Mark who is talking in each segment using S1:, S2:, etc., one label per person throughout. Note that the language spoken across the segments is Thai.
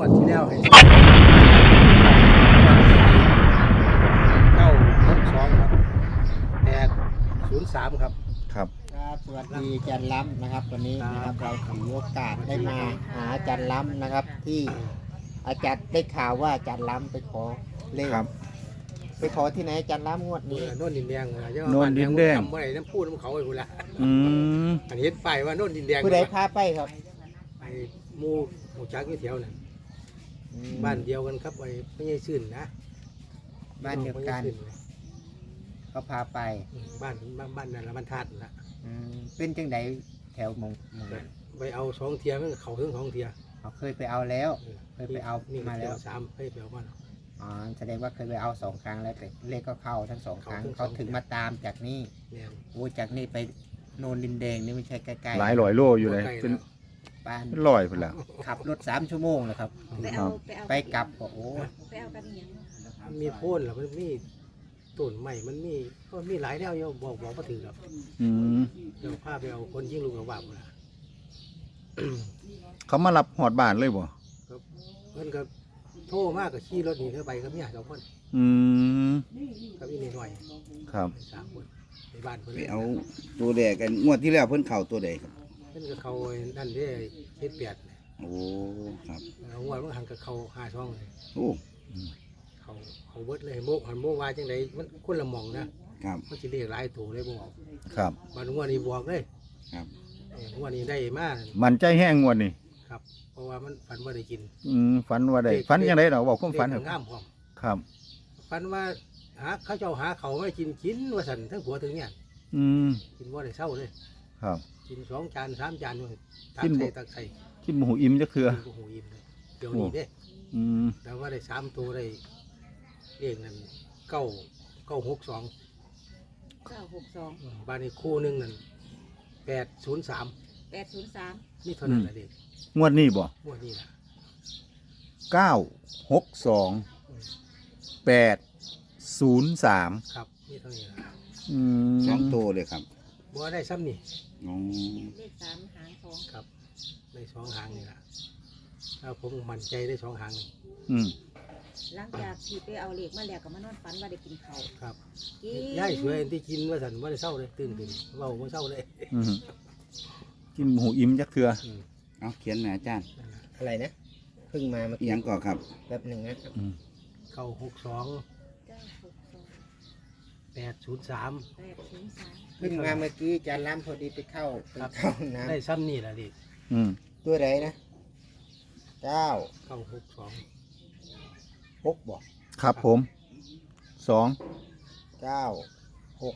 S1: วดที่แล้วให้962ครับ803ครับ
S2: ครับ
S3: ครับสวัสดีอาจารย์ล้ำนะครับวันนี้นะครับเราถือโอกาสได้มาหาอาจารย์ล้ำนะครับ ที่อาจารย์ได้ข่าวว่าอาจารย์ล้ำไปขอเลข
S2: ครับ
S3: ไปขอที่ไหนอาจารย์ล้ำงวดนี้
S1: โน่นดินแดงเยอะ
S2: โน่นดินแดง
S1: จำเมื่อไหร่น้ำพูดน้ำเขาไอ้กูละ
S2: อืม
S1: อันนี้ไปว่าโน่นดินแดง
S3: ผู้ใดพาไปครับ
S1: ไอ้หมู่จักอยู่แถวนั้นบ้านเดียวกันครับไอ้ไม่ใช่ชื่นนะ
S3: บ้านเดียวกันเขาพาไป
S1: บ้านนั่นละบ้านธาตุนั่นละ
S3: เป็นจังไดแถวมง
S1: ไปเอา2 เทียมันเขาถึง2 เทีย
S3: เขาเคยไปเอาแล้ว เคยไปเอา
S1: นี่
S3: มาแล้ว
S1: 3ให้ไปเอามา
S3: อ๋อแสดงว่าเคยไปเอา2 ครั้งแล้วแต่เลขก็เข้าทั้ง2 ครั้งเขาถึงมาตามจากนี่
S1: เนี่ย
S3: โอ้จากนี่ไปโนนดินแดงนี่ไม่ใช่ใกล้ๆ
S2: หลายร้อยโลอยู่เลยเป็น
S3: บ้าน
S2: ร้อยพุ่นแล้ว
S3: ขับรถ3 ชั่วโมงเลยครับ ไปกลับก็โอ้
S4: ไปเอากันอย่าง
S1: มันมีโพ่นหรอมันมีต้นใหม่มันมีหลายแนวโยบอกมาถึงหรอก
S2: อืม
S1: เดี๋ยวพาไปเอาคนยิ่งลูกกับบ้านะ
S2: เขามารับหอดบ้านเลยบ่
S1: เพื่อนก็โทรมากกับขี่รถหนีเข้าไปกับเนี่ย2 คน
S2: อืม
S1: กับอีกนิดหน่อย
S2: ครับ
S1: 3 คนในบ้านเพื่อน
S5: ไปเอาตัวแดกกันงวดที่แล้วเพิ่นเข่าตัวใดครับ
S1: เพื่อนก็เขานั่นได้78
S5: โอ้ครับ
S1: เอางวดมันหันกับเขา5 ช่องเลย
S5: โอ้
S1: เขาเบิดเลยโมหันโมวาจังไดมันคนละหม่องนะครับ มันจะเรียกหลายตัวเลยบ่บอก
S2: ครับ
S1: บางงวดนี้บอกเลย
S5: ครับ
S1: งวดนี้ได้มาก
S2: มันใจแห้งงวดนี่
S1: ครับ เพราะว่ามันฝันว่าได้กิน
S2: ฝันว่าได้ฝันยังไงเนาะบอกความฝัน
S1: เล
S2: เถ
S1: ข
S2: อะ
S1: งามพร้อม
S2: ครับ
S1: ฝันว่าเขาเจ้าหาเขาไม่กินว่าสันทั้งผัวทั้งเนี่ย
S2: อืม
S1: กินว่าได้เศร้าเลย
S2: ครับ
S1: กิน2 จาน3 จานเลยตั
S2: กิ
S1: ก
S2: นบ่
S1: ใส่ตักใส่
S2: คิดบ่หูอิ่มจักเทื่อ
S1: กินก็หูอิ่มเลยเดี๋ยวนี้เด้
S2: อืม
S1: แต่ว่าได้3 ตัวได้เลขนั้น962
S4: 962
S1: บ้านนี้คู่หนึงนั่น803
S4: 803
S1: นี่เท่านั้นแหละเด็ก
S2: งวดนี้บ่
S1: งวดนี้นะ
S2: 962 803
S1: ครับนี่เท่านี้นะ
S2: อืม
S5: สองตัวเลยครับ
S1: บัวได้ซ้ำนี่
S5: อ๋อ
S4: เลข3หางทอง
S1: ครับได้2 หางนี่ละถ้าผมมั่นใจได้2 หางนี่
S2: อืม
S4: หลังจากที่ไปเอาเลขมาแล้วก็มานอนฝันว่าได้กินข้าว
S1: ครับ
S4: กิน
S1: ย่ายสวยที่กินว่าสันว่าได้เศร้าเลยตื่นขึ้นเว่าว่าเศร้าเลย
S2: อืมกินบ่หูอิ่มจักเทื่อ
S5: เอาเขียนหน่อยอาจารย์
S3: อะไรนะเพิ่งมาเมื่อ
S5: อี
S3: กี้
S5: หยังก่อนครับ
S3: แป๊บหนึ่งนะครับ
S2: อืม
S1: 962
S4: 962
S1: 803
S4: 803
S3: เพิ่งมาเมื่อกี้อาจารย์ล้ำพอดีไปเข้าห้องน้
S1: ได้ซ้ำนี่แหละดิ
S2: อืม
S3: ำตัวไหนนะ9
S1: 962
S3: 6บอก
S2: ครับผม2
S3: 9 6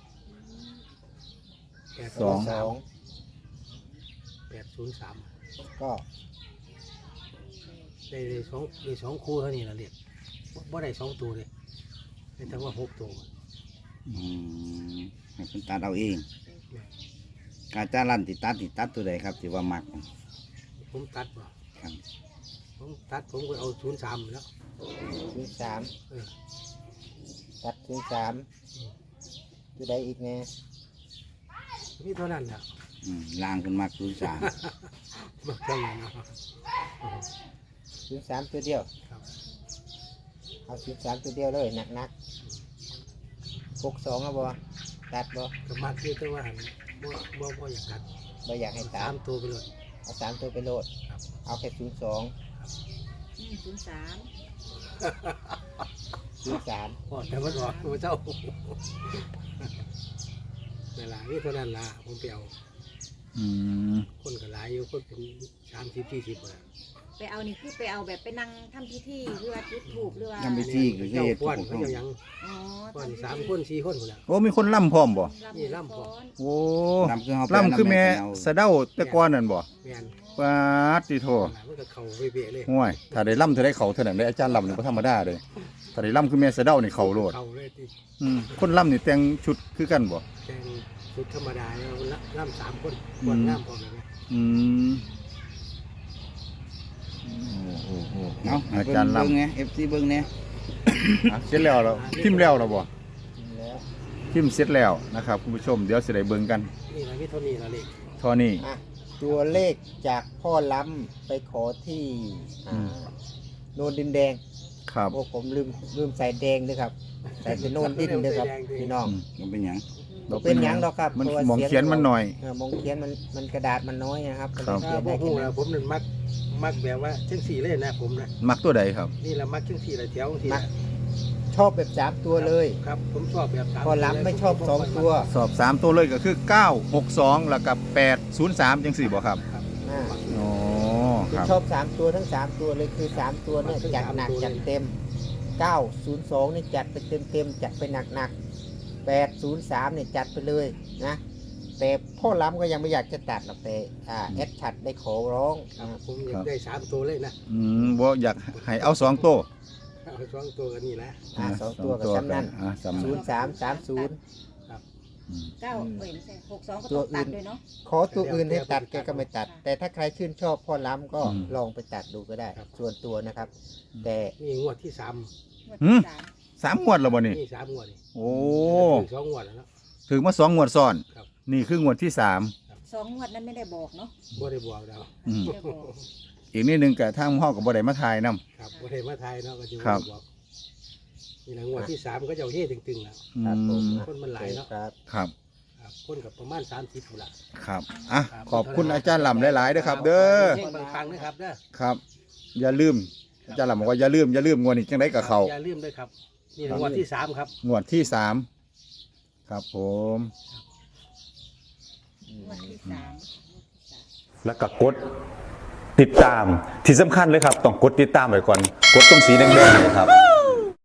S1: 803
S3: 2
S1: 803
S3: ก็
S1: ได้สองคู่เท่านี้แหละเด็กบ่ได้2 ตัวเลยได้ทั้งว่า6 ตัว
S5: อืมให้เพิ่นตัดเอาเองอาจารย์ลั่นติตัดตัวใดครับที่ว่ามัก
S1: ผมตัดบ่
S5: ครับ
S1: ผมก็เอา03แล้ว
S3: 03
S1: เออ
S3: ตัด03ตัวใดอีกแน่
S1: นี่เท่านั้นแหละ
S5: ล่างเพิ่นมัก03
S1: บ่แค่นั้นเนาะ
S3: 03ตัวเดียว
S1: ครับ
S3: เอา03ตัวเดียวเลยหนักๆ62เอาบ่ตัดบ่
S1: ก็มากคือแต่ว่าหันบ่อยากตัด
S3: บ่อยากให้ตัด
S1: 3 ตัวไปเลย
S3: เอา3ตัวไปโหลด
S1: ครับ
S3: เอาแค่02
S4: 03
S1: พอแต่มันออกมันเจ้าเวลานี่เท่านั้นล่ะผมไปเอา
S2: อืม
S1: คนก็หลายอยู่คนเป็น30-40คน
S4: ไปเอานี่คือไปเอาแบบไปนั่งทำพิธีหรือว่าจุดธูปหรือว่า
S5: ทำพิธีก็คือ
S1: เจ้า
S5: เฮ็ด
S1: ป้อน
S5: ถูก
S1: เขา
S5: ต้อง
S1: เจ้าหยัง
S4: อ๋อ
S1: ป้อน
S4: ทำพิธี
S1: 3 คน4 คนคนละ
S2: โอ้มีคนล่ำพร้อมบ่
S1: นี่ล่ำพอ
S2: โอ้
S5: นำคือเฮาไป
S2: ล่ำคือแม่
S5: เอา
S2: สะเด้าแต่ก่อนนั่นบ่
S1: แม่น
S2: ปาดติโท
S1: มันก็เข้าเวะๆเลย
S2: ห่วยถ้าได้ล่ำเท่าได้เขาเท่านั้นได้อาจารย์ล่ำนี่บ่ธรรมดาเลยถ้าได้ล่ำคือแม่สะเด้านี่เขาโลด
S1: เข้าเลยที่
S2: คนล่ำนี่แต่งชุดคือกันบ่
S1: แต่งชุดธรรมดาเนี่ยล่ำ3 คนป้อนน้ำพร้อมเลยนะ
S2: อืมโอ้โห
S5: เอาให้
S2: อา
S5: เพิ่
S2: จาร
S5: น
S2: ย์
S5: เบิ่ง
S2: ล่ำ
S5: ไง FC เบิ่งแหน่
S2: เสร็จแล้วพิมพ์แล้วบ่
S3: แล้ว
S2: พิมพ์เสร็จแล้วนะครับคุณผู้ชมเดี๋ยวสิได้เบิ่งกัน
S1: นี่นะมีเท่านี้ละเล็ก
S2: เท่านี้
S3: อ่ะตัวเลขจากพ่อล้ำไปขอที่โนนดินแดง
S2: ครับ
S3: โอ้ผมลืมใส่แดงด้วยครับใส่แต่โนนดินด้วยครับพี่น้อง
S5: มันเป็นหยัง
S3: บ่เป็นหยังหรอกครับ
S2: มัน
S3: พราะว่า
S2: หมองเขียนมันหน่อย
S3: มองเขียนมันกระดาษมันน้อยนะครับ
S2: ครับ
S3: เขียน
S1: บ่
S3: ได้
S1: ฮู้
S3: แค่
S1: แล้
S3: นั้
S1: วน ผมนั่นมักแบบว่าจังสี่เลยนะผมนะ
S2: มักตัวใดครับ
S1: นี่แหละมักจังสี่ละแถวจังสี่
S3: มัก
S1: ละ
S3: ชอบแบบ3ตัวเลย
S1: ครับผมชอบแบบสาม
S3: พอล้ำไม่ชอบ2ตัว
S2: สอบ3ตัวเลยก็คือ962แล้วกับ803จังซี่บ่ครับ
S1: ครับ
S3: อ่า
S2: อ๋อค
S3: คือ
S2: รับ
S3: ชอบ3ตัวทั้ง3ตัวเลยคือ3ตัวเนี่ยจัดหนักจัดเต็ม902นี่จัดไปเต็มจัดไปหนัก803เนี่ยจัดไปเลยนะแต่พ่อล้ำก็ยังไม่อยากจะตัดหรอกแต่แอดชัดได้ขอร้อง
S1: ครับ
S3: นะ
S1: ผมอยากได้3ตัวเลยนะ
S2: บ่อยากให้เอา2ตัว
S1: เอา2ตัวกันนี่แหละ
S3: 2ตัวกับซ้ำนั่น
S2: ซ้ำนั่น
S3: 0330
S4: เก้าเอ้ยไม่ใช่62ก็
S3: ตัว
S4: ต้อง
S3: อื่
S4: ตั
S3: น
S4: ดด้วยเนาะ
S3: ขอตัวอื่นให้ตัดแกก็ไม่ตัด แต่ถ้าใครชื่นชอบพ่อล้ำก็
S2: อืม
S3: ลองไปตัดดูก็ได้ ส่วนตัวนะครับ แต่
S1: นี่งวดที่3
S4: งวดที่สาม
S2: 3งวดแล้วบ่นี่
S1: นี่3งวดนี่
S2: โอ้
S1: ถึง2งวดแล้วเนาะ
S2: ถึงมา2งวดซ้อน
S1: ครับ
S2: นี่คืองวดที่3
S4: 2งวดนั้นไม่ได้บอกเนาะ
S1: บ่ได้บอกแล้ว
S2: อืม
S4: ไม่ได้บอก
S2: อีกนิดนึงก็ทางห้องก็บ่ได้มาถ่ายนํ
S1: ครับบ่ได้มาทายเนาะก็จะ
S2: ครับ
S1: บอกนี่แหละงวดที่3ก็จะเอาเฮ่ตึงๆแล้ว
S3: ครับผม
S1: คนมันหลายเนาะ
S3: ครับ
S2: ครับ
S1: ครับคนกับประมาณ30พุ่นละ
S2: ครับอ่ะขอบคุณอาจารย์ลำหลายๆเด้อครับ เด้อ
S1: เฮงปังๆนะครับเด้อ
S2: ครับ อย่าลืมอาจารย์ลำบอกว่าอย่าลืมงวดนี้จังไดกับเขา
S1: อย่าลืมด้วยครับนี่แหละงวดที่3ครับ
S2: งวดที่3ครับผม
S4: งวดที่สาม
S6: แล้วก็กดติดตามที่สำคัญเลยครับ ต้องกดติดตามไว้ก่อน กดตรงสีแดงๆเนยครับ